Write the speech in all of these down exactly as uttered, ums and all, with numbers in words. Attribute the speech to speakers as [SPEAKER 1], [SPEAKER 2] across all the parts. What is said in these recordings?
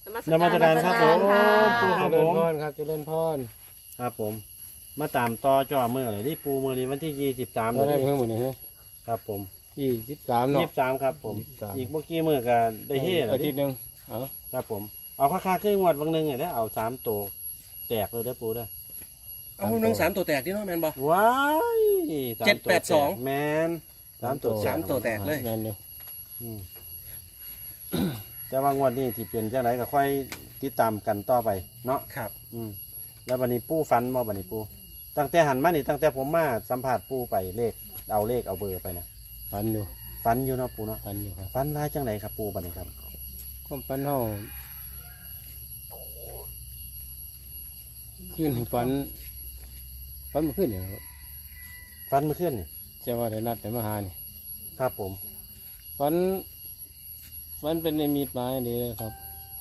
[SPEAKER 1] นมัสการครับผม
[SPEAKER 2] ปู
[SPEAKER 1] ค
[SPEAKER 2] ค
[SPEAKER 1] รั
[SPEAKER 2] รั
[SPEAKER 1] บบ ผ
[SPEAKER 2] ผม
[SPEAKER 1] ม
[SPEAKER 2] พรครับเจริญพร
[SPEAKER 1] ครับผมมาตามต่อจ่อเมื่อไหร่ที่ปูเมื่อนี้วันที่ยี่สิบสาม
[SPEAKER 2] เราได้เพิ่มหมดเลยฮะ
[SPEAKER 1] ครับผม
[SPEAKER 2] ยี่สิบสามเนาะ
[SPEAKER 1] ยี่สิบสามครับผม
[SPEAKER 2] ยี่สิบสาม
[SPEAKER 1] อีกเมื่อกี้เมื่อกันได้เฮ่เหรอ
[SPEAKER 2] อาทิ
[SPEAKER 1] ที่
[SPEAKER 2] ตย์หนึงเอา
[SPEAKER 1] ครับผมเอาค่าค่าขึ้นงวดบางหนึงเนี่ยได้เอาสามตัวแตกเลยได้อปูได้อ
[SPEAKER 3] เอาหนึ่งสามตัวแตกที่น้องแมนบอก
[SPEAKER 1] ว้ายสาม
[SPEAKER 3] เจ็ดแปดสอง
[SPEAKER 1] ตัวแตกแมนสามตัวแตก
[SPEAKER 3] สามตัวแตกเลย
[SPEAKER 2] แม่นอยู่
[SPEAKER 1] อืม แต่ว่างวดนี้ที่เปลี่ยนจังไรก็ค่อยติดตามกันต่อไปเนาะ
[SPEAKER 3] ครับ
[SPEAKER 1] อืมแล้วบันนี้ปูฟันบ่บันนี้ปูตั้งแต่หันมานี่ตั้งแต่ผมมาสัมผัสปูไปเลขเอาเลขเอาเบอร์ไปนะ
[SPEAKER 2] พันอยู่
[SPEAKER 1] ฟันอยู่เนาะปูเนาะ
[SPEAKER 2] พันอยู่ครับ
[SPEAKER 1] ฟันร้ายจังไหนครับปูบันนี้ครับ
[SPEAKER 2] ก็ปันเฮาขึ้นฝันฝันมาขึ้นเนี่ยครับ
[SPEAKER 1] ฟันเมื่อคืนนี่
[SPEAKER 2] จะว่าได้นัดแต่มาหานี่
[SPEAKER 1] ครับผม
[SPEAKER 2] ฝันฝันเป็นในมีดไม้ดีเลยครับ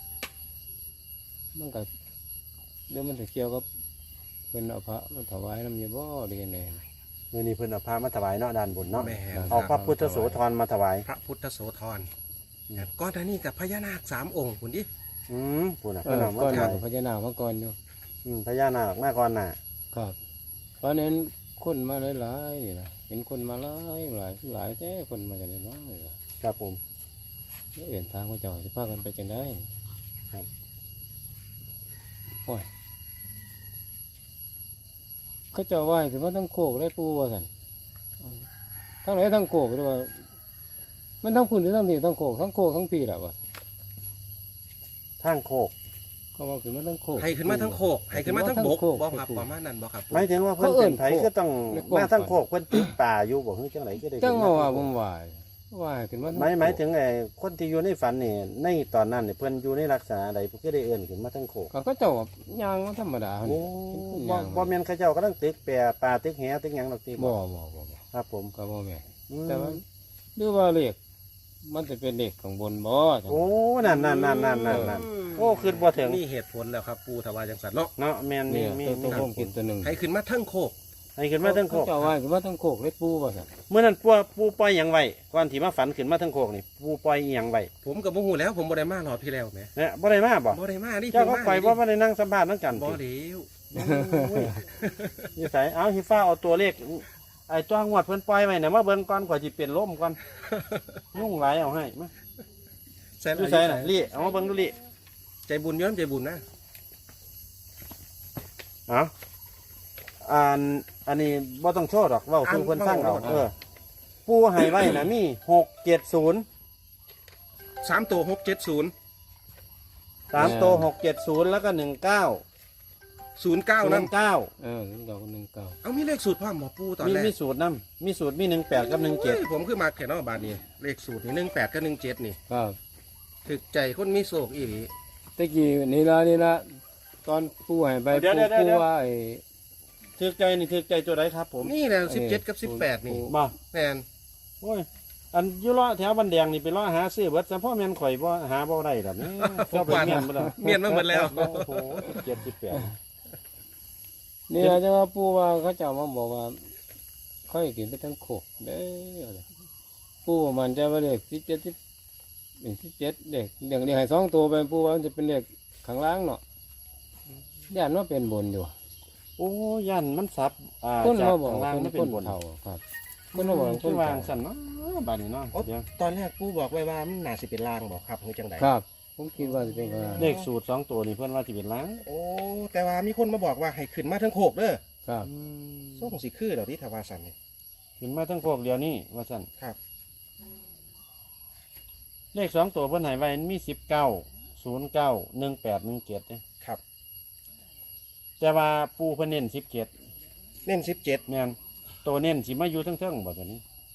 [SPEAKER 2] มันก็เดี๋ยวมันจะเกี่ยวกับเป็นเอาพระมาถวายน้ำเยบ่ดีกันแน่
[SPEAKER 1] เมื่อนี้เพิ่นเอาพามาถวายเนาะด้านบนเนาะ
[SPEAKER 3] แม่น
[SPEAKER 1] เอาพระพุทธโสธรมาถวาย
[SPEAKER 3] พระพุทธโสธรครับก้อนอันนี้กับพญานาคสามองค์คุณดิ
[SPEAKER 1] อืมปูน่ะ
[SPEAKER 2] เอ
[SPEAKER 1] เพิ่น
[SPEAKER 2] อ
[SPEAKER 1] เอามา
[SPEAKER 2] ก้อน
[SPEAKER 1] ถ
[SPEAKER 2] หน้าว
[SPEAKER 1] าย
[SPEAKER 2] พญานาคมาก่อนอยู่
[SPEAKER 1] อืมพญานาคมาก่อนน่ะ
[SPEAKER 2] ครับเพราะนั้นคนมาหลายๆนี่นะเห็นคนมาหลายหลายหลายแต่คนมาจากไหนน้อยล่ะ
[SPEAKER 1] ครับผม
[SPEAKER 2] เอื่นทางพระเจ้าจะพากันไปจังได้
[SPEAKER 1] ครับ
[SPEAKER 2] โอ้ยเขาเจ้าไหว้ถึงว่าทั้งโคกได้ปูว่าสันทั้งไหนทั้งโคกด้วยว่ามันทั้งคุณหรือทั้งนี่ทั้งโคกทั้งโคกทั้งปีแหละวะ
[SPEAKER 1] ทางโคก
[SPEAKER 2] เขาว่าขึ้นมาทั้งโคก
[SPEAKER 3] ให้ขึ้นมาทั้งโคกให้ขึ้นมาทั้งบก
[SPEAKER 2] โคก
[SPEAKER 3] บอกครับประมาณนั้นบอกครับ
[SPEAKER 1] หมายถึงว่าเพิ่น
[SPEAKER 2] เขาเอิ้
[SPEAKER 1] เป็น นไผ
[SPEAKER 2] โคก
[SPEAKER 1] ก็ต้อง
[SPEAKER 2] ในความ
[SPEAKER 1] มาทาง
[SPEAKER 2] ฝัน
[SPEAKER 1] โคกเพิ่นติดป่าอยู่บ่ฮึจังไหนก็ได้
[SPEAKER 2] จัง
[SPEAKER 1] ขึ้น
[SPEAKER 2] ว่า
[SPEAKER 1] ท
[SPEAKER 2] ว่า
[SPEAKER 1] ง
[SPEAKER 2] ผ
[SPEAKER 1] โคก
[SPEAKER 2] มไหวไหวขึ้นมา
[SPEAKER 1] หมายหมายถึงไอ้คนที่อยู่ในฝันนี่ในตอนนั้นเนี่ยเพิ่นอยู่ในลักษณะใดเพิ่นก็ได้เอื้อนขึ้นมาทั้งโคก
[SPEAKER 2] ก็เขาเจ้าแบบยางธรรมดา
[SPEAKER 1] โอ้
[SPEAKER 2] เนี่ย
[SPEAKER 1] บ่บ่แม่นเขาเจ้ากำลังตึกแปรปลาตึกแหตึกหยังดอกติ
[SPEAKER 2] บ่บ่บ่บ่
[SPEAKER 1] ครับผม
[SPEAKER 2] ก็บ่แม่น
[SPEAKER 1] อืม
[SPEAKER 2] แต่ว่าหรือว่าเลขมันจะเป็นเลขของบนบ่จัง
[SPEAKER 1] โอ้นั่นนั่นนั่นนั่นนั่นนั่นโอ้คือบ่ถึง
[SPEAKER 3] นี่เหตุผลแล้วครับปูถวายจังสันเนาะ
[SPEAKER 1] เนาะแม่นมี
[SPEAKER 2] เนี่ย
[SPEAKER 1] มี
[SPEAKER 2] ตัว
[SPEAKER 1] มี
[SPEAKER 2] ตัวผมกินตัวหนึ่ง
[SPEAKER 3] ให้ขึ้นมาทั้งโคก
[SPEAKER 1] ให้ขึ้นมาทั้งโคก
[SPEAKER 2] เจ้าว่าขึ้นมาทั้งโคกเลยปูว่าซั่น
[SPEAKER 1] เมื่อนั้นปูปูปล่อยหยังไว้ก่อนที่มาฝันขึ้นมาทั้งโคกนี่ปูปล่อยอีหยังไว้
[SPEAKER 3] ผมกับบ่ฮู้แล้วผมบ่ได้มาหลอดพี่แล้วแหม
[SPEAKER 1] เนี่ยบ่ได้มาบ่
[SPEAKER 3] บ่ได้มานี่
[SPEAKER 1] เจ้าก็
[SPEAKER 3] ผม
[SPEAKER 1] ปล่อย
[SPEAKER 3] มา
[SPEAKER 1] บ่มาได้นั่งสัมภาษณ์นั่งกัน
[SPEAKER 3] บ่
[SPEAKER 1] ติ
[SPEAKER 3] เดียว
[SPEAKER 1] โอ้ยนิสัยเอาฮิฟ้าเอาตัวเลขไอ้ตัวงวดเพิ่นปล่อยไว้น่ะมาเบิ่งก่อนกว่าสิเป็นลมก่อนยุ่งหลายเอาให้มา
[SPEAKER 3] ใส่
[SPEAKER 1] ดูใส่น่ะลี่เอามาเบิ่งดูลี่
[SPEAKER 3] ใจบุญย้อนใจบุญนะ
[SPEAKER 1] เอาอันอันนี้บ่ต้องโชว์ดอกเว้าสู่เพิ่นฟังเอาเออปูให้ไว้น่ะมีหกเจ็ดศูนย์
[SPEAKER 3] สามตัวหกเจ็ดศูนย์
[SPEAKER 1] สามตัวหกเจ็ดศูนย์แล้วก็หนึ่งเก้า
[SPEAKER 3] ศูนย์เก้า
[SPEAKER 1] ศู
[SPEAKER 3] นั่
[SPEAKER 1] น
[SPEAKER 3] น
[SPEAKER 1] ย์เก้า
[SPEAKER 2] เออหนึ่งเก้าหนึ่งเก้า
[SPEAKER 3] เอามีเลขสูตรพ่อหมอปูตอน
[SPEAKER 1] มี
[SPEAKER 3] แรก
[SPEAKER 1] มีสูตรน้ำมีสูตรมีหนึ่งแปดกับหนึ่งเจ็ด
[SPEAKER 3] โอ้ยผมคือมาแค่นอกบาทนี่เลขสูตรนี่หนึ่งแปดกับหนึ่งเจ็ดนี่
[SPEAKER 2] ครับ
[SPEAKER 3] ถึกใจคนมีโศกอีหลี
[SPEAKER 2] ตะกี้นี่ละนี่ละตอนปูให้ไปปูปูว่าไอ้
[SPEAKER 1] ถือใจนี่ถือใจตัวใดครับผม
[SPEAKER 3] นี่แหละสิบเจ็ดกับสิบแปดนี่
[SPEAKER 1] บ่
[SPEAKER 3] แมน
[SPEAKER 1] โอ้ยอันอยุเลาะแถวบันแดงนี่ไปเลาะหาซื้อเบิดแต่พ่อแม่นข่อยบ่หาบ่ได้แบบนี้เจ้าไปเมียนบ่ได้
[SPEAKER 3] เมียนมาหมดแล้ว
[SPEAKER 1] โอ้โหเจ็ดสิบแปด
[SPEAKER 2] นี่ละจะว่าปูว่าเขาเจ้ามาบอกว่าค่อยกินไปทั้งโคกเด้อปูว่ามันจะว่าเลขสิบเจ็ดสิบเป็นสิบเจ็ดเด็กเด็กเด็กให้สองตัวไปปูว่ามันจะเป็นเลขข้างล่างเนาะย่านว่าเป็นบนอยู่
[SPEAKER 1] โอ้ยันมันซับอ่า
[SPEAKER 2] คน
[SPEAKER 1] จาก
[SPEAKER 2] เราบอก
[SPEAKER 1] ข้างล่าง
[SPEAKER 2] คน
[SPEAKER 1] มันเป็
[SPEAKER 2] คน น
[SPEAKER 1] บน
[SPEAKER 2] เท่าครับคนเราบอกค
[SPEAKER 1] คื
[SPEAKER 2] น
[SPEAKER 1] อวาง
[SPEAKER 2] เท่า
[SPEAKER 1] สั่นเนาะบาดนี้เนาะเดี๋ยว
[SPEAKER 3] ตอนแรกปูบอกไว้ว่ามันน่าสิเป็นลางบอกครับเฮ้ยจังได
[SPEAKER 2] ครับ ผมคิดว่าจะเป็นข้างล่าง
[SPEAKER 1] เลขสูตรสองตัวนี่เพื่อนว่าสิเป็นล้าง
[SPEAKER 3] โอ้แต่ว่ามีคนมาบอกว่าให้ขึ้นมาทั้งโคกเด้อ
[SPEAKER 2] ครับ
[SPEAKER 1] อืม
[SPEAKER 3] ส่งสิคือเดี๋ยวที่ทวาสันนี่
[SPEAKER 1] ขึ้นมาทั้งโคกเดียวนี่ว่าสั่น
[SPEAKER 3] ครับ
[SPEAKER 1] เลขสองตัวเพื่อนให้ไว้มีสิบเก้าศูนย์เก้าหนึ่งแปดหนึ่งเจ็ดเนี่ย
[SPEAKER 3] ครับ
[SPEAKER 1] แต่ว่าปูเพิ่นเน้นสิบเจ็ด
[SPEAKER 3] เน้นสิบเจ็ด
[SPEAKER 1] แม่นตัวเน้นสิมาอยู่ทั้งเทิงๆบ่ตัวนี้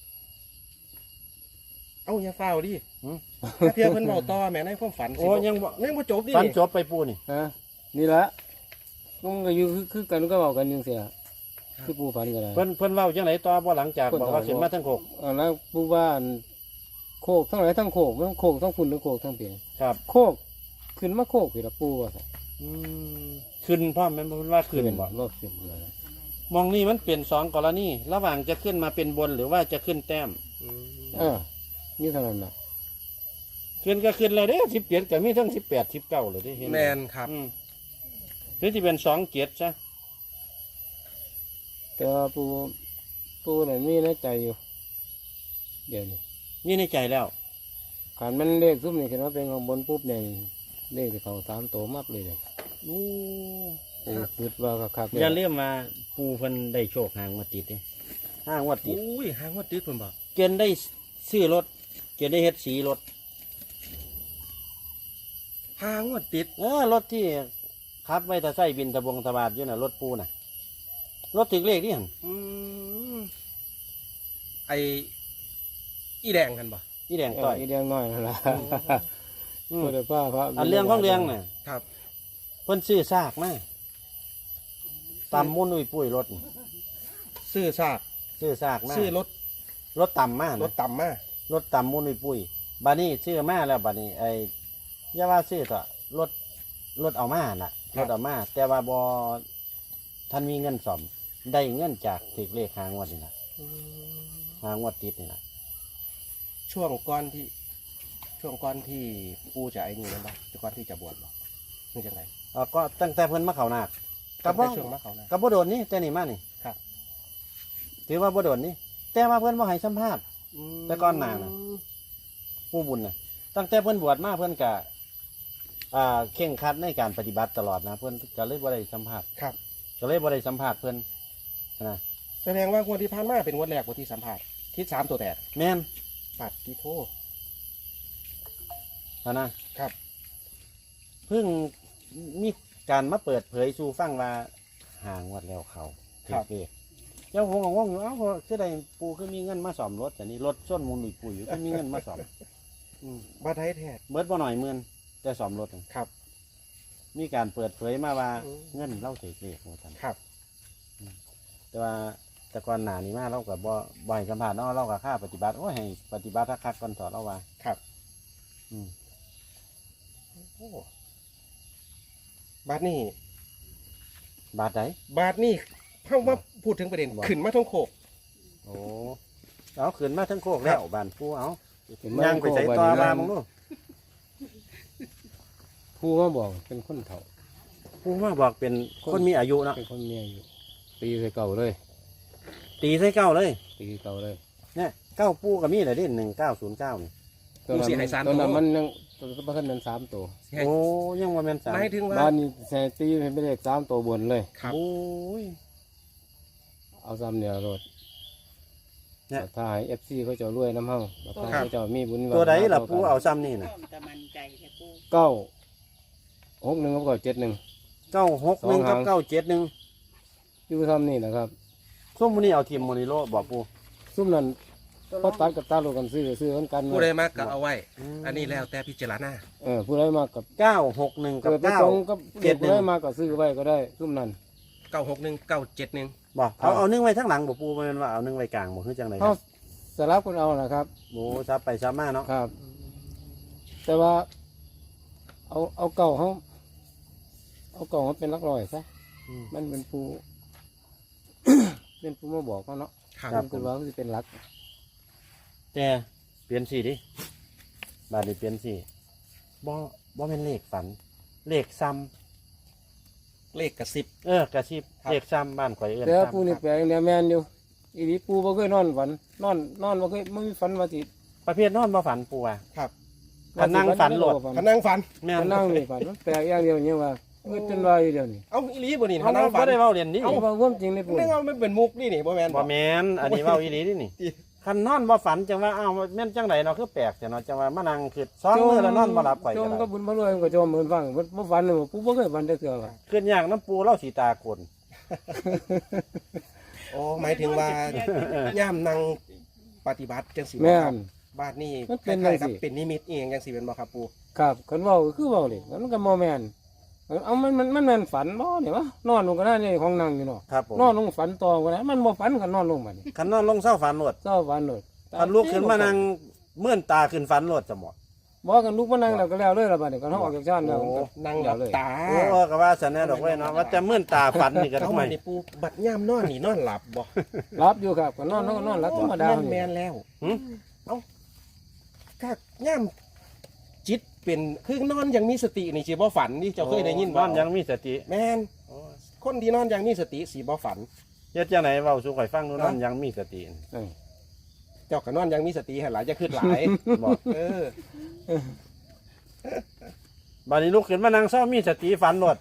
[SPEAKER 3] เอ้าอย่าเฝ้าวดิ
[SPEAKER 1] หืม
[SPEAKER 3] ถ้าเพียงเพิ่นเบาต่อแม่ในความฝันสิ
[SPEAKER 1] โอ้ยังบ่
[SPEAKER 3] ยังบ่จบดิ
[SPEAKER 1] ฝันจบไปปูนี่
[SPEAKER 2] ฮะนี่ละมันก็อยู่คือคือกันก็บอกกันอยังเสียคือปูฝันกันเลย
[SPEAKER 1] เพิ่นเพิ่นเล่าจังไหนต่อบ่หลังจาก
[SPEAKER 2] เพิ่น
[SPEAKER 1] บอกว่า
[SPEAKER 2] เล่า
[SPEAKER 1] ขึ้นมาทั้งโคก
[SPEAKER 2] อ่าแล้วปูว่าอันโคกทั้งหลายทั้งโคกทั้งโคกทั้งคุณทั้งโคกทั้งเปียง
[SPEAKER 1] ครับ
[SPEAKER 2] โคกขึ้นมาโคกคือละปูว่าซะ
[SPEAKER 1] อืมขึ้นพ่อแม่นเพิ่นว่าขึ้นบ่
[SPEAKER 2] ว่าขึ้นเลย
[SPEAKER 1] มองนี่มันเปลี่ยนสองกรณีระหว่างจะขึ้นมาเป็นบนหรือว่าจะขึ้นแต้ม
[SPEAKER 3] อืม
[SPEAKER 2] เออนี่เท่านั้นนะ
[SPEAKER 1] ขึ้นก็ขึ้นแล้วเด้สิบเจ็ดก็มีทั้งสิบแปดสิบเก้าเลยเด้เห็นไห
[SPEAKER 3] แมนครับ
[SPEAKER 1] อืมหรือที่เป็นสองเจ็ดซะ
[SPEAKER 2] แต่ว่าปูปูนั่นมีในใจอยู่เดี๋ยวนี้
[SPEAKER 1] นี่ในใจแล้ว
[SPEAKER 2] ขันมันเลขซุ่มนี่ขึ้นมาเป็นของบนปุ๊บเนี่ยเลขที่เขาสามตัวมากเลยเลย
[SPEAKER 1] โอ้
[SPEAKER 2] ปูคิดว่าคักๆเลย
[SPEAKER 1] อย่าเลี่ยมมาปูเพิ่นได้โชคหางมาติดเด้ห้างวัดติด
[SPEAKER 3] อุ้ยหางว่าติดคนบอก
[SPEAKER 1] เกณฑ์ได้ซื้อรถเกณฑ์ได้เฮ็ดสีรถ
[SPEAKER 3] หางว่าติด
[SPEAKER 1] เออรถที่ขับไว้ตะไส้บินตะบงตะบาดอยู่น่ะรถปูน่ะรถถึงเลขนี่หั่น
[SPEAKER 3] อืมไออีแดงกันบ่
[SPEAKER 1] นี่แดง
[SPEAKER 2] เอ
[SPEAKER 1] ต่
[SPEAKER 2] อ
[SPEAKER 1] อย
[SPEAKER 2] อีเดียงน้อยนั่นล่ะ
[SPEAKER 1] อืม
[SPEAKER 2] พูดแต่ป้าพระ
[SPEAKER 1] อันเรื่องของเรื่องน่ะ
[SPEAKER 3] ครับ
[SPEAKER 1] เพิ่นซื้อซากมาตำมุ่นอุ้ยปุ้ยรถนี่
[SPEAKER 3] ซื้อซาก
[SPEAKER 1] ซื้อซากมา
[SPEAKER 3] ซื้อรถ
[SPEAKER 1] รถต่ำมาก
[SPEAKER 3] รถต่ำมาก
[SPEAKER 1] รถต่ำมุ่นอุ้ยปุ้ยบานี้ซื้อมาแล้วบานี้ไอ้อย่าว่าซื้อต่อรถรถเอามาน่ะรถเอามาแต่ว่าบอท่านมีเงินสอมได้เงินจากถึกเลขหางวดนี่นะหางวดติดนี่นะ
[SPEAKER 3] ช่วงก้อนที่ ช่วงก้อนที่ปูจะไอ้นี่นั่นบ่ก่อนที่จะบวชบ่นี่จังไง
[SPEAKER 1] เอ่อก็ตั้งแต่เพิ่นมาเขานาคกั
[SPEAKER 3] กั
[SPEAKER 1] บบ บ่
[SPEAKER 3] ช่วงมาเขานะ
[SPEAKER 1] กับบ่โดนนี่แต่นี่มานี่
[SPEAKER 3] ครับ
[SPEAKER 1] ถือว่าบ่โดนนี่แต่ว่าเพิ่นบ่ให้สัมภาษณ์ แต่ก่อนหน้าน่ะ ผู้บุญน่ะตั้งแต่เพิ่นบวชมาเพิ่นก็อ่าเข่งครัดในการปฏิบัติตลอดนะเพิ่นก็เลยบ่ได้สัมภาษณ์
[SPEAKER 3] ครับ
[SPEAKER 1] ก็เลยบ่ได้สัมภาษณ์เพิ่นนะ
[SPEAKER 3] แสดงว่างวดที่ผ่านมาเป็นงวดแรกงวดที่สัมผัสทิศสามตัวแตก
[SPEAKER 1] แม่น
[SPEAKER 3] ปัดที่โทษ
[SPEAKER 1] นะนะครับ เพิ่งมีการมาเปิดเผยสู่ฟังว่าห่างวัดแล้วเขาถือเลขเจ้าผมก็งงอยู่เอ้าคือได้ปูคือมีเงินมาซ่อมรถแต่นี่รถส้นมูลหนุยปุ๋ยอยู่คือมีเงินมาซ่อมอืม
[SPEAKER 3] บ้าไทยแท้
[SPEAKER 1] เบิดบ่หน่อยหมื่นแต่ซ่อมรถนั่น
[SPEAKER 3] ครับ
[SPEAKER 1] มีการเปิดเผยมาว่า
[SPEAKER 3] อืม
[SPEAKER 1] เงินเล่าถือเลขว่าซั่น
[SPEAKER 3] ครับ
[SPEAKER 1] แต่ว่าแต่ก่อนหน้านี้มาเราก็บ่บ่ให้สัมภาษณ์เนาะเราก็ค่าปฏิบัติโอ้ยให้ปฏิบัติคักๆก่อนถอดเราว่า
[SPEAKER 3] ครับ
[SPEAKER 1] อืม
[SPEAKER 3] โอ้บาทนี่
[SPEAKER 1] บาทใด
[SPEAKER 3] บาทนี่เข้ามาพูดถึงประเด็น
[SPEAKER 1] บอก
[SPEAKER 3] ขึ้นมาท้องโคก
[SPEAKER 1] โอ้เอาขึ้นมาทั้งโคกแล้วบ้านปูเอา
[SPEAKER 2] ขึ้นมา
[SPEAKER 1] ย่างไปใส่ต่อมามึงดู
[SPEAKER 2] ผู้มาบอกเป็นคนเฒ่า
[SPEAKER 1] ปูมาบอกเป็นคนมีอายุเนาะ
[SPEAKER 2] เป็นคนเมียอยู่ตีใส่เก่าเลย
[SPEAKER 1] ตีใส่เก้าเลย
[SPEAKER 2] ตีเก่าเลย
[SPEAKER 1] เนี่ยเก้าปูก็มีเลยดิหนึ่งเก้าศูนย์เก้านี่
[SPEAKER 2] ตอนนั้นตอนนั้นมันยังตอนนั้นมันสามตัว
[SPEAKER 3] ให้
[SPEAKER 1] โอ้ยังว่าแม่นสาม
[SPEAKER 3] หมายถึงว่า
[SPEAKER 2] บ้านนี้ใส่ตีเป็นเลขสามตัวบนเลย
[SPEAKER 3] ครับ
[SPEAKER 1] โอ้ย
[SPEAKER 2] เอาซ้ำเนี่ยรถ
[SPEAKER 1] เนี่ย
[SPEAKER 2] ถ้าให้เอฟซีเขาจะรวยน้ำเฮาถ้าเขาจะมีบุญ
[SPEAKER 1] ตัวใดล่ะ
[SPEAKER 2] วาสนา
[SPEAKER 1] ปูเอาซ้ำนี่นะ
[SPEAKER 4] แต่มันใจแค่ปู
[SPEAKER 2] เก้าหกหนึ่งกับเก้าเจ็ดหนึ่ง
[SPEAKER 1] เก้าหกหนึ่งกับเก้าเจ็ดหนึ่ง
[SPEAKER 2] อยู่ซ้ำนี่นะครับ
[SPEAKER 1] ส้มมันนี่เอาทีมโมนิโลบอกปู
[SPEAKER 2] ซุ่มนั้นพอตัดกับตาโลกันซื้อซื้อกันกัน
[SPEAKER 3] ผู้ใดมากก็เอาไว้ อันนี้แล้วแต่พิจารณา
[SPEAKER 2] เออผู้ใดมากับ
[SPEAKER 1] เก้าหกหนึ่งกับ
[SPEAKER 2] เกิดไป
[SPEAKER 1] เก้า
[SPEAKER 2] ตรงกับ
[SPEAKER 1] เจ็
[SPEAKER 2] เด็
[SPEAKER 1] ด
[SPEAKER 2] ก
[SPEAKER 1] หนึ่
[SPEAKER 2] ผู้
[SPEAKER 1] ง
[SPEAKER 2] ใดมาก็ซื้อไว้ก็ได้ซุ่มนั้น
[SPEAKER 3] เก้าหกหนึ่งเก้าเจ็ดหนึ่ง
[SPEAKER 1] บอกเอาเอานึ่งไว้ทั้งหลังบอกปูมันว่าเอานึ่งไว้กลางบอกคือจังไหนค
[SPEAKER 2] เขา
[SPEAKER 1] รับ
[SPEAKER 2] สลับกันเอานะครับ
[SPEAKER 1] โอ้ซับไปซับมาเนาะ
[SPEAKER 2] ครับ แต่ว่า เอาเอาเก่าเขาเอาเก่าเขาเป็นหลักร้อยซะ
[SPEAKER 1] อืม
[SPEAKER 2] มันเป็นผู้ เป็นผู้มาบอกเขาเนาะ
[SPEAKER 3] ครับ
[SPEAKER 1] ครับ
[SPEAKER 2] มันคือว่ามันสิเป็นหลัก
[SPEAKER 1] แต่เปลี่ยนสีดิบาทนี้เปลี่ยนสีบ่บ่เป็นเลขฝัน เลขซ้
[SPEAKER 3] เลขกระซิบ
[SPEAKER 1] ำเออกระซิบ
[SPEAKER 3] ครับ
[SPEAKER 1] เลขซ้ำบ้านข่อยเอื้อน
[SPEAKER 2] แต่ว่า
[SPEAKER 1] ซ้
[SPEAKER 2] ผู้นี่แปลงเนี่ยแมนอยู่อีนี้ปูบ่เคยนอนฝัน นอนนอนบ่เคยไม่มีฝันว่าสิ
[SPEAKER 1] ำประเภทนอนบ่ฝันปูว่า
[SPEAKER 3] ครับ
[SPEAKER 1] ถ้านั่งฝันโหลด
[SPEAKER 3] พนังฝัน
[SPEAKER 1] แม่น
[SPEAKER 2] ถ้านั่งนี่ฝันมันแปลกอย่างเดียวเนี่ยว่าเมื่อจนว่าอยู่เดียวนี่
[SPEAKER 3] เอาอีหลีบ่นี่พ
[SPEAKER 1] เขา
[SPEAKER 3] นังฝั
[SPEAKER 1] บ่
[SPEAKER 3] น
[SPEAKER 1] ได้เว้าเรียนนี่
[SPEAKER 2] เอาความจริงในปู
[SPEAKER 3] นึกว่ามันเป็นมุกนี่นี่บ่แม่น
[SPEAKER 1] บ่แม่นอันนี้เว้าอีหลีนี่นี่
[SPEAKER 3] อี
[SPEAKER 1] คันนอนบ่ฝันจังว่าอ้าวแม่นจังไดเนาะคือแปลกแต่เนาะจังว่ามานั่งคือซ้อนมือแล้วนอนบ่หลับข่อย
[SPEAKER 2] จ
[SPEAKER 1] ก็
[SPEAKER 2] ม
[SPEAKER 1] ได้
[SPEAKER 2] ก็บุญบ่รวยมันก็จมเหมือนฟังบ่ฝันเลยปูบ่เคยฝันได้เทื่อว่า
[SPEAKER 1] ขึ้นยากน้ำปูเล่าสีตาคน
[SPEAKER 3] โอ้หมายถึงว่าย่ามนั่งปฏิบัติจังสิบ่
[SPEAKER 2] แม่
[SPEAKER 3] ครับ
[SPEAKER 2] น
[SPEAKER 3] บ้านนี่
[SPEAKER 2] มันเป็น
[SPEAKER 3] คล้ายๆ
[SPEAKER 2] จั
[SPEAKER 3] กับ
[SPEAKER 2] งสิ
[SPEAKER 3] เป็นนิมิตเองจังสิเป็นบ่ครับปู
[SPEAKER 2] ครับคันเว้าก็คือเว้าเลยมันก็บ่แม่นเอามันมันมันแม่นฝันบ่เนี่ยวะนอนลงก็ได้นี่ของนั่งอยู่เนาะ
[SPEAKER 1] ครับผม
[SPEAKER 2] นอนลงฝันต่อก็ได้มันบ่ฝันก็นอนลงบัดนี้
[SPEAKER 1] คันนอนลงเศร้าฝันโหลด
[SPEAKER 2] เศร้าฝันโลด
[SPEAKER 1] คันลุกขึ้นมานั่งเมื่อนตาขึ้นฝันโหลดจะหมด
[SPEAKER 2] บ่กันลุกมานั่งแล้วก็แล้วเลยล่ะบัดนี้ก็เฮาออกจากชานแล้ว
[SPEAKER 1] โอ้
[SPEAKER 2] ก็
[SPEAKER 3] นั่งหลับตา
[SPEAKER 1] โอ้ก็ว่าสันแน่ดอกไว้ยเนาะว่าจะเมื่อนตาฝันนี่ก็
[SPEAKER 3] เขา
[SPEAKER 1] ทำไม
[SPEAKER 3] มาในปูบัดย่ามนอนนี่นอนหลับบ่
[SPEAKER 2] รับอยู่ครับก็นอนนอนนอนหลับธรรมดา
[SPEAKER 3] แม่นแม่นแล้ว
[SPEAKER 1] หึ
[SPEAKER 3] ถ้าย่ามจิตเป็นคือนอนยังมีสตินี่สิบ่ฝันนี่เจ้าเคยได้ยิน
[SPEAKER 1] น
[SPEAKER 3] บ่
[SPEAKER 1] อนยังมีสติ
[SPEAKER 3] แม่นคนที่นอนยังมีสติสิบ่ฝัน
[SPEAKER 1] เฮ็ดจังไหนเว้าสู่ข่อยฟังดูนอนยังมีสติ
[SPEAKER 2] เออ
[SPEAKER 3] เจ้าก็นอนยังมีสติให้หลายจะขึ้นหลาย
[SPEAKER 1] บอก
[SPEAKER 3] เออ
[SPEAKER 1] บัดนี้ลุกขึ้นมานั่งเศร้ามีสติฝันหลด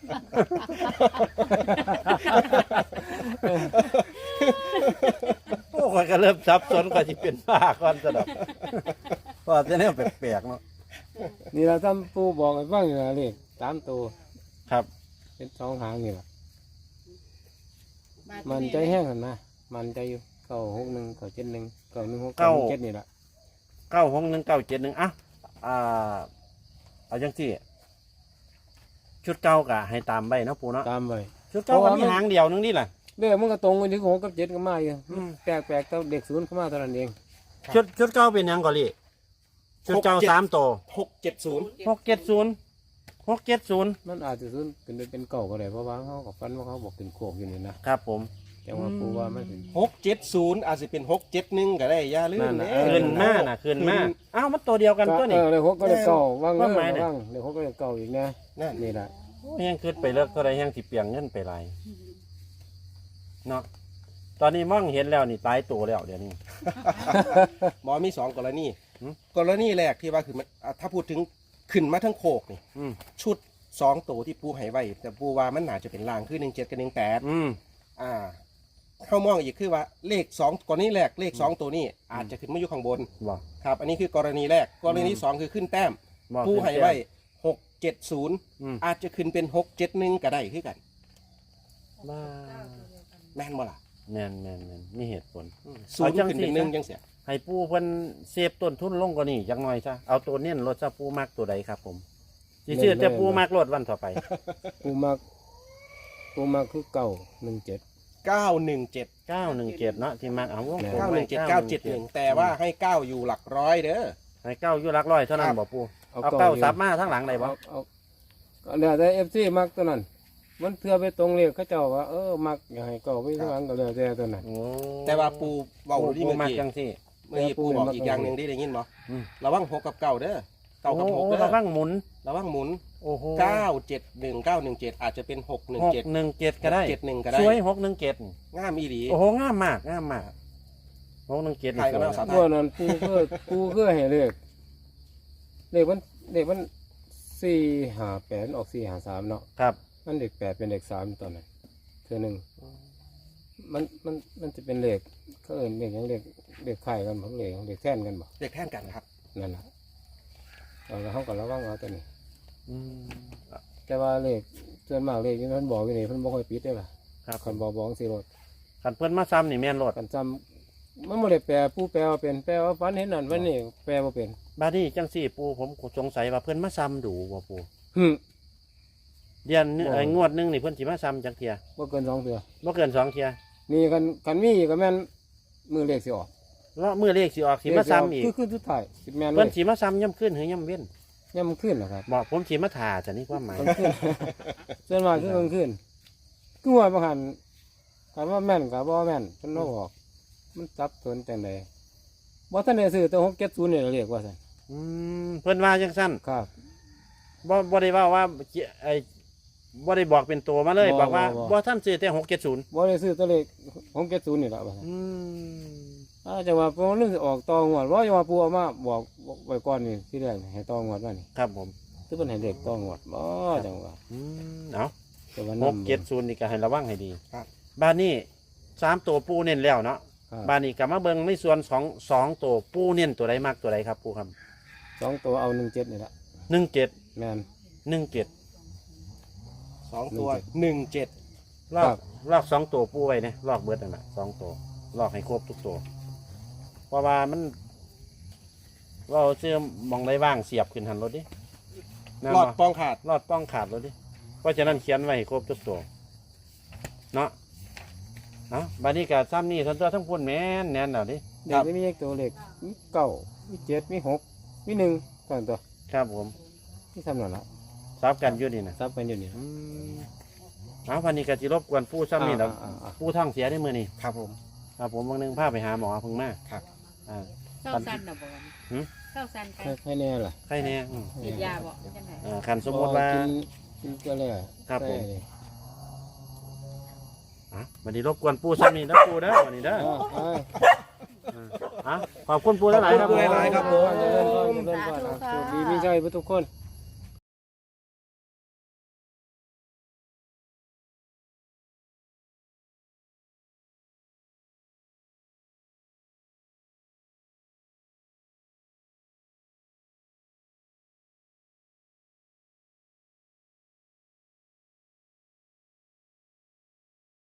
[SPEAKER 1] โอ้ข่อยก็เริ่มสับสนกว่าสิเป็นบ้าก่อนซะดอกเพราะจะแนวแปลกๆเนาะ
[SPEAKER 2] นี่เราทำปูบอกให้ฟังอยู่นะเลขสามตัว
[SPEAKER 1] ครับ
[SPEAKER 2] เป็นสองหางนี่แหละ
[SPEAKER 4] บาด
[SPEAKER 2] มัน
[SPEAKER 4] นี้
[SPEAKER 2] ใจแห้งกันนะมันใจอยู่เก้าหกหนึ่งเก้าเจ็ดหนึ่งเก้าหนึ่งหกเก้าหนึ่งเจ็ดนี่แหละ
[SPEAKER 1] เก้าหกหนึ่งเก้าเจ็ดหนึ่งอ่ะอ่าเอาจังซี่ชุดเก่ากะให้ตามไว้เนาะปูเนาะ
[SPEAKER 2] ตามไป
[SPEAKER 1] ชุดเก่าก็มีหางเดียวนึงนี่แหละ
[SPEAKER 2] เลขมันก็ตรงกันที่หกกับเจ็ดก็มาอยู่
[SPEAKER 1] อืม
[SPEAKER 2] แปลกแปลกๆแต่เด็กศูนย์เข้ามาเท่านั้นเอง
[SPEAKER 1] ชุดชุดเก่าเป็นหยังก่อนลี่ชุดเก่า
[SPEAKER 3] หกเจ็ด
[SPEAKER 1] สามตัว
[SPEAKER 3] หกเจ็ดศูนย์
[SPEAKER 1] หกเจ็ดศูนย์หกเจ็ดศูนย์
[SPEAKER 2] มันอาจจะศูนย์เป็นเป็นเก่าก็ได้เพราะว่าเขากับฟันว่าเขาบอกเป็นโคกอยู่นี่นะครับ
[SPEAKER 1] ผม
[SPEAKER 2] แต่ว่าปูว่ามันเป็น
[SPEAKER 3] หกเจ็ดศูนย์อาจจะเป็นหกเจ็ดหนึ่งก็ได้อย่าลืม
[SPEAKER 2] นั่นน่ะ
[SPEAKER 3] เด้
[SPEAKER 2] เออ
[SPEAKER 1] คืนมาน่ะคืนมาอ้าวมันตัวเดียวกันตัวนี้
[SPEAKER 2] เออเลยหกก็เลยเก่าว่าง
[SPEAKER 1] ว่า
[SPEAKER 2] เง
[SPEAKER 1] หมายเนี่ย
[SPEAKER 2] ว่างเลยหกก็เลยเก่าอีกนะ
[SPEAKER 3] นั่น
[SPEAKER 2] นี่แหละ
[SPEAKER 1] ยังคืนไปเลิกเท่าไรยังสิเปลียงเงินไปไรเนาะตอนนี้มองเห็นแล้วนี่ตายตัวแล้วเดี๋ยวนี้
[SPEAKER 3] หมอมีสองกรณี
[SPEAKER 1] หืม
[SPEAKER 3] กรณีแรกที่ว่าคือมันอ่ะถ้าพูดถึงขึ้นมาทั้งโคกนี่
[SPEAKER 1] อืม
[SPEAKER 3] ชุดสองตัวที่ปูให้ไว้แต่ปูว่ามันน่าจะเป็นลางคือหนึ่งเจ็ดกับหนึ่งแปด
[SPEAKER 1] อืม
[SPEAKER 3] อ่าเข้ามองอีกคือว่าเลขสองกรณีแรกเลขสองตัวนี้อาจจะขึ้นมาอยู่ข้างบน
[SPEAKER 1] บอก
[SPEAKER 3] ครับ อันนี้คือกรณีแรกกรณีที่สองคือขึ้นแต้ม
[SPEAKER 1] บอก
[SPEAKER 3] ปูให้ไว้หกเจ็ดศูนย์
[SPEAKER 1] อืม
[SPEAKER 3] อาจจะขึ้นเป็นหกเจ็ดหนึ่งก็ได้คือกัน
[SPEAKER 1] บ้า
[SPEAKER 3] แม่นบ่ล่ะ
[SPEAKER 1] แม่นแม่นแม่นมีเหตุผล
[SPEAKER 3] ศูนย์
[SPEAKER 1] เอาจัง
[SPEAKER 3] ขึ้น
[SPEAKER 1] สิ
[SPEAKER 3] เป็นหนึ่งจังเสีย
[SPEAKER 1] ให้ปูเพิ่นเซฟต้นทุนลงกว่านี้จักหน่อยซะเอาตัวเน้นรถซะปูมักตัวใดครับผมสิซื้อแต่ปูมักรถวันต่อไป
[SPEAKER 2] ปูมากปูมากคือเก่าหนึ่งเจ็ด
[SPEAKER 3] เก้าหนึ่งเจ็ด
[SPEAKER 1] เก้าหนึ่งเจ็ดเนาะที่มักเอาวงกลม
[SPEAKER 3] เก้าห
[SPEAKER 1] ไว้
[SPEAKER 3] นึ่งเจ็ดเก้าเจ็ดหนึ่งแต่ว่าให้เก้าอยู่หลักร้อยเด้อ
[SPEAKER 1] ให้เก้าอยู่หลักร้อยเท่านั้น
[SPEAKER 3] ครับ
[SPEAKER 1] บ่ปูเอาเก้าซับมาทั้งหลังได้บ่
[SPEAKER 2] เอาเอาก็เหลือแต่เอฟซีมักตัวนั้น มันเทือไปตรงเรียกเขาเจ้าว่าเออมักอยากให้เก่าไปทั้งหลังก็เหลือแต่ตัวนั้น
[SPEAKER 1] โอ้
[SPEAKER 3] แต่ว่าปูเบาดี
[SPEAKER 1] ปู
[SPEAKER 3] เมื่อ
[SPEAKER 1] มัก
[SPEAKER 3] กี้
[SPEAKER 1] จังซี่
[SPEAKER 3] เมื่อกี้ปูบอกอีกอย่างหนึ่งที่ได้ยินบ่
[SPEAKER 1] อืม
[SPEAKER 3] ระวังหกกับเก้าเด้อเก้ากับหก
[SPEAKER 1] โอ้
[SPEAKER 3] เด้อ
[SPEAKER 1] ระวังหมุน
[SPEAKER 3] ระวังหมุน
[SPEAKER 1] โอ้โห
[SPEAKER 3] เก้าเจ็ดหนึ่งเก้าหนึ่งเจ็ดอาจจะเป็นหกหนึ่ง
[SPEAKER 1] หก
[SPEAKER 3] เจ็ด
[SPEAKER 1] หนึ่งเจ็ดก็ได้
[SPEAKER 3] เจ็ดหนึ่งก็ได้
[SPEAKER 1] สวยหกหนึ่งเจ็ด
[SPEAKER 3] ง่ามอีหลี
[SPEAKER 1] โอ้โหงามมากงามมากหกหนึ่งเจ็ด
[SPEAKER 3] ใครก็น่าสา
[SPEAKER 2] พวกนั้นปูเพื่อปูเพื่อให้เลขเลขมันเลขมันสี่หาแปดออกสี่หาสามเนาะ
[SPEAKER 1] ครับ
[SPEAKER 2] มันเด็กแปดเป็นเด็กสามตอนนั้นเธอหนึ่งมันมันมันจะเป็นเลขเขาเอินเลขอย่างเลขเลขไข่กันบ่เลขเลขแท่นกันบ่
[SPEAKER 3] เด็กแท่นกันครับ
[SPEAKER 2] นั่นแหละเอาละเขาก็ระวังเอาตัวนี้
[SPEAKER 1] อืม
[SPEAKER 2] แต่ว่าเลขส่วนมากเลขที่เพิ่นบอกอยู่นี่เพิ่นบ่ค่อยปิดได้ล่ะ
[SPEAKER 1] ครับ
[SPEAKER 2] คันบอกบอกสิรถ
[SPEAKER 1] ขันเพิ่นมาซ้ำนี่แม่นรถ
[SPEAKER 2] คันจำมันบ่ได้แปลผู้แปลว่าเป็นแปลว่าฝันเห็นนั่นวันนี้แปลว่าเป็น
[SPEAKER 1] บาดนี้จังสี่ปูผมสงสัยว่าเพิ่นมาซ้ำดูบ่ปู
[SPEAKER 2] หึ
[SPEAKER 1] เดือนหนึ่ง
[SPEAKER 2] บ่
[SPEAKER 1] เอ้ยงวดหนึงนี่เพิ่นสิมาซ้ำจักเทีย
[SPEAKER 2] บ่เกินสองเทื่อ
[SPEAKER 1] บ่เกินสองเทีย
[SPEAKER 2] นี่คันคันมีอีกก็แม่นมือเลขสิออก
[SPEAKER 1] แล้วมื้อเลขสิออกสิมาซ้ำอีก
[SPEAKER 2] คือคือสุดท้ายสิแม่นเล
[SPEAKER 1] เพิ่น
[SPEAKER 2] ย
[SPEAKER 1] สิมาซ้ำย่ำขึ้นหรือย่ำเว้น
[SPEAKER 2] ย่ำขึ้นเหรอครับ
[SPEAKER 1] บอกผมสิมาถ่าจะนี่ความหมาย
[SPEAKER 2] กลางคืน ส่วนมากคือกลางคืนคือว่าบางหันถามว่าแม่นกับบ่แม่นเพิ่นบ่บอก มันจับสนจังไดบ่ทันได้ซื้อแต่หกเจ็ดศูนย์นี่เรียกว่าซั่น
[SPEAKER 1] อืมเพิ่นว่าจังซั่น
[SPEAKER 2] ครับ
[SPEAKER 1] บ่บ่ได้ว่าว่าไอ้บ่ได้บอกเป็นตัวมาเลย
[SPEAKER 2] บ่
[SPEAKER 1] บอกว่า
[SPEAKER 2] บ่บ่
[SPEAKER 1] บ่ท่านซื้อแต่หกเจ็ดศูนย์
[SPEAKER 2] บ่ได้ซื้อตัวเลขหกเจ็ดศูนย์นี่ล่ะว่าซั่น
[SPEAKER 1] อืม
[SPEAKER 2] อาจังว่าพอเรื่องสิออกต่องวดว่าจังว่าปู่เอามาบอกไว้ก่อนนี่ที่แรกนี่ให้ต่องวดว่านี่
[SPEAKER 1] ครับผม
[SPEAKER 2] คือเพิ่นให้เลขต่องวดบ่จังว่า
[SPEAKER 1] อืมเอา
[SPEAKER 2] แต่ว่า
[SPEAKER 1] ห
[SPEAKER 2] นำ
[SPEAKER 1] กเจ็ดศูนย์นี่ก็ให้ระวังให้ดี
[SPEAKER 3] ครับ
[SPEAKER 1] บ้านนี้สามตัวปูเน้นแล้วเนาะ
[SPEAKER 2] ครับ
[SPEAKER 1] บ้านนี้กลับมาเบิ่งในส่วนสองสองตัวปูเน้นตัวใดมากตัวใดครับปูครับ
[SPEAKER 2] สองตัวเอาหนึ่งเจ็ดนี่ล่ะ
[SPEAKER 1] หนึ่งเจ็ด
[SPEAKER 2] แม่น
[SPEAKER 1] หนึ่งเจ็ด
[SPEAKER 3] สองตัวหนึ่งเจ็ด
[SPEAKER 1] ลอ
[SPEAKER 2] ครั
[SPEAKER 1] ก
[SPEAKER 2] บ
[SPEAKER 1] ลอกสองตัวปูไว้เนี่ยลอกเบิดนั่นแหละสองตัวลอกให้ครบทุกตัวเพราะว่ามันเราเชื่อมองได้ว่างเสียบขึ้นหันรถดินั่น
[SPEAKER 3] หลอด
[SPEAKER 1] บ่
[SPEAKER 3] ปองขาด
[SPEAKER 1] รอดป้องขาดรถดิเพราะฉะนั้นเขียนไว้ให้ครบทุกตัวเนาะเอาบานี้กับซ้ำนี่ทั้งตัวทั้งพุ่นแม่นแน่นแล้วดิ
[SPEAKER 2] เด็กมีเลขตัวเลขมีเก้ามีเจ็ดมีหกมีหนึ่งตอนตัว
[SPEAKER 1] ครับผม
[SPEAKER 2] ที่ทำนั่นล่ะ
[SPEAKER 1] ซับกันอยู่นี่นะ
[SPEAKER 2] ซับกันอยู่นี่
[SPEAKER 1] อืมเอาพันนี้ก็จิรบกวนผู้ซ้ำนี่แล้ว
[SPEAKER 2] อ่าอ่า
[SPEAKER 1] ผู้ท้องเสียได้มือนี่
[SPEAKER 3] ครับผม
[SPEAKER 1] ครับผมบางนึงพาไปหาหมอเพิ่งมา
[SPEAKER 3] ครับ
[SPEAKER 1] อ่า
[SPEAKER 4] เศร้าสั้นนะบอก
[SPEAKER 1] หืม
[SPEAKER 4] เเข้าสันไป
[SPEAKER 2] ใครใครแน่ล่ะ
[SPEAKER 1] ใครแน่อืม
[SPEAKER 4] ฉีดยาบ่จังได๋
[SPEAKER 1] เอ่อคันสมมติว่า
[SPEAKER 2] กินกินก็แล้ว
[SPEAKER 1] ครับผม
[SPEAKER 2] ใส่เลย
[SPEAKER 1] อ่ะวันนี้รบกวนปูซ้ำนี่นะปูเด้อวันนี้เด้อ
[SPEAKER 2] อ่าอ่า
[SPEAKER 1] อ่ะขอบคุณปูหลายๆครับ
[SPEAKER 3] ขอบคุณปูหลายๆครับผม
[SPEAKER 2] เจริญพรเจริญพรอ่ะโชคดีมีใจทุกคน